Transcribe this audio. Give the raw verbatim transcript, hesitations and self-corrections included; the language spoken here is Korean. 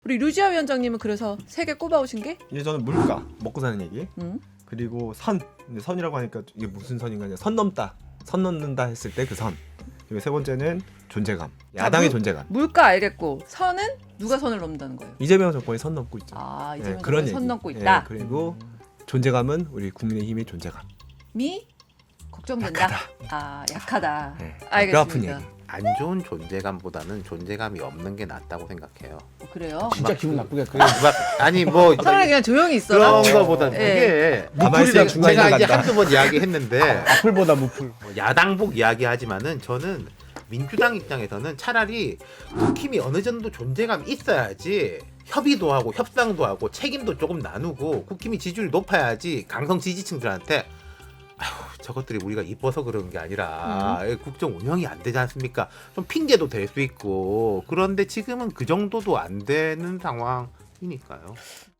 우리 류지아 위원장님은 그래서 세 개 꼽아오신 게? 이제 저는 물가 먹고 사는 얘기 음. 그리고 선 근데 선이라고 하니까 이게 무슨 선인가 아니라 선 넘다 선 넘는다 했을 때 그 선. 그리고 세 번째는 존재감 야당의 물- 존재감. 물가 알겠고 선은 누가 선을 넘는다는 거예요? 이재명 정권이 선 넘고 있죠. 아 예, 이재명 그런 정권이 선 얘기. 넘고 예, 있다. 그리고 존재감은 우리 국민의힘의 존재감. 미 걱정된다. 약하다. 아 약하다. 예, 뼈 아픈 알겠습니다. 얘기. 안 좋은 존재감보다는 존재감이 없는 게 낫다고 생각해요. 어, 그래요? 진짜 기분 나쁘겠다. 막 아니 뭐 차라리 그냥 조용히 있어라. 그런 거보다는 예. 그게 가만히 있으면 중간에 제가 이제 간다. 한두 번 이야기했는데 악플보다 무플. 뭐 야당복 이야기하지만은 저는 민주당 입장에서는 차라리 국힘이 어느 정도 존재감이 있어야지 협의도 하고 협상도 하고 책임도 조금 나누고 국힘이 지지율이 높아야지 강성 지지층들한테 아휴 저것들이 우리가 이뻐서 그런 게 아니라 국정 운영이 안 되지 않습니까? 좀 핑계도 될 수 있고 그런데 지금은 그 정도도 안 되는 상황이니까요.